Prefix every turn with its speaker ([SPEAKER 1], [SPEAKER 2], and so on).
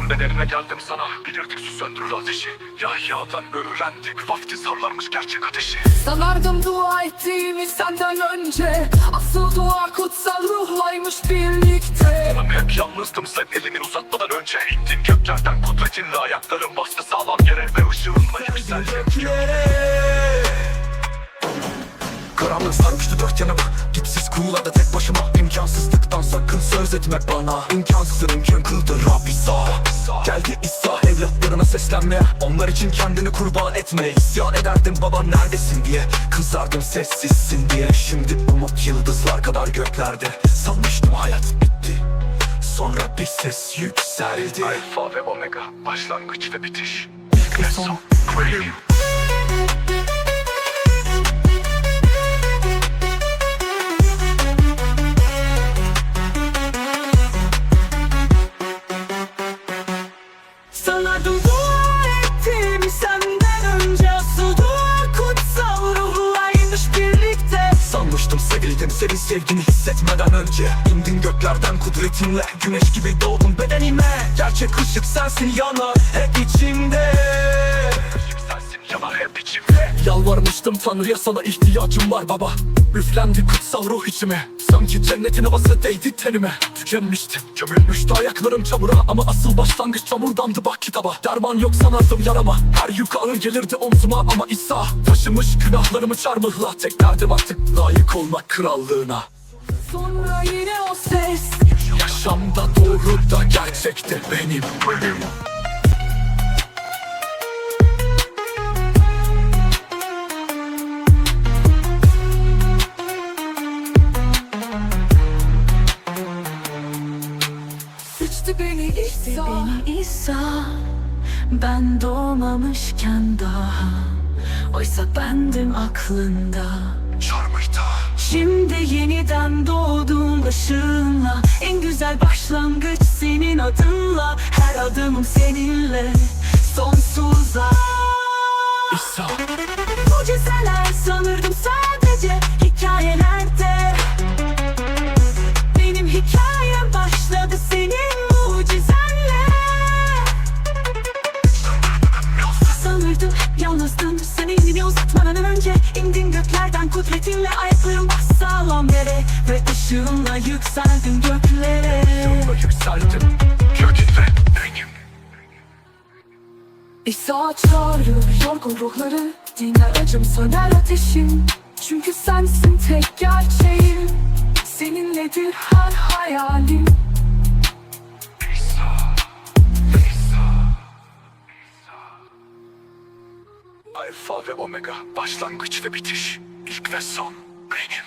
[SPEAKER 1] Doğduğun bedenine geldim sana. Bilirdik su söndürür ateşi. Yahya'dan öğrendik vaftiz harlarmış gerçek ateşi.
[SPEAKER 2] Sanardım dua ettiğimi senden önce. Asıl dua kutsal ruhlaymış birlikte.
[SPEAKER 1] Ben hep yalnızdım sen elini uzatmadan önce. İndin göklerden kudretinle, ayakların bastı sağlam yere ve ışığınla yükseldin. Karanlık sarmıştı dört yanımı. Dipsiz kuyularda tek başıma. İmkansızlıktan sakın söz etme bana. İmkansızın mümkün kıldı Rab İsa. Geldi İsa evlatlarına seslenmeye. Onlar için kendini kurban etmeye. İsyan ederdim baba neredesin diye. Kızardım sessizsin diye. Şimdi umut yıldızlar kadar göklerde. Sanmıştım hayat bitti. Sonra bir ses yükseldi. Alfa ve Omega, başlangıç ve bitiş. İlk ve son.
[SPEAKER 2] Sanardım dua ettiğimi senden önce. Asıl dua kutsal ruhlaymış birlikte.
[SPEAKER 1] Sanmıştım sevildim senin sevgini hissetmeden önce. İndin göklerden kudretinle. Güneş gibi doğdun bedenime. Gerçek ışık sensin yanar hep içimde. Işık sensin yanar hep içimde. Yalvarmıştım Tanrı'ya, sana ihtiyacım var baba. Üflendi kutsal ruh içime. Sanki cennetin havası değdi tenime. Tükenmiştim, gömülmüştü ayaklarım çamura. Ama asıl başlangıç çamurdandı bak kitaba. Derman yok sanardım yarama. Her yük ağır gelirdi omzuma. Ama İsa taşımış günahlarımı çarmıhla. Tek derdim artık layık olmak krallığına.
[SPEAKER 2] Sonra yine o ses.
[SPEAKER 1] Yaşamda doğru da gerçekte benim.
[SPEAKER 2] Seçti beni İsa.
[SPEAKER 3] Beni İsa, ben doğmamışken daha. Oysa bendim aklında.
[SPEAKER 1] Çarmıhta.
[SPEAKER 3] Şimdi yeniden doğdum ışığınla. En güzel başlangıç senin adınla. Her adımım seninle sonsuza.
[SPEAKER 1] İsa.
[SPEAKER 3] Mucizeler sanırdım sadece hikayelerde. Benim hikayem başladı senin mucizenle. Sanırdım hep yalnızdım sen elini uzatmadan önce. İndin göklerden kudretinle, ayaklarım bas sağlam yere. Ve ışığınla yükseldin göklere.
[SPEAKER 1] Yolda yükseldim. Gördün ve benim.
[SPEAKER 2] İsa çağırır yorgun ruhları. Dinler acım söner ateşim. Çünkü sensin tek gerçeğim. Seninledir her hayalim.
[SPEAKER 1] İsa. İsa. Alfa ve Omega, başlangıç ve bitiş. İlk ve son benim.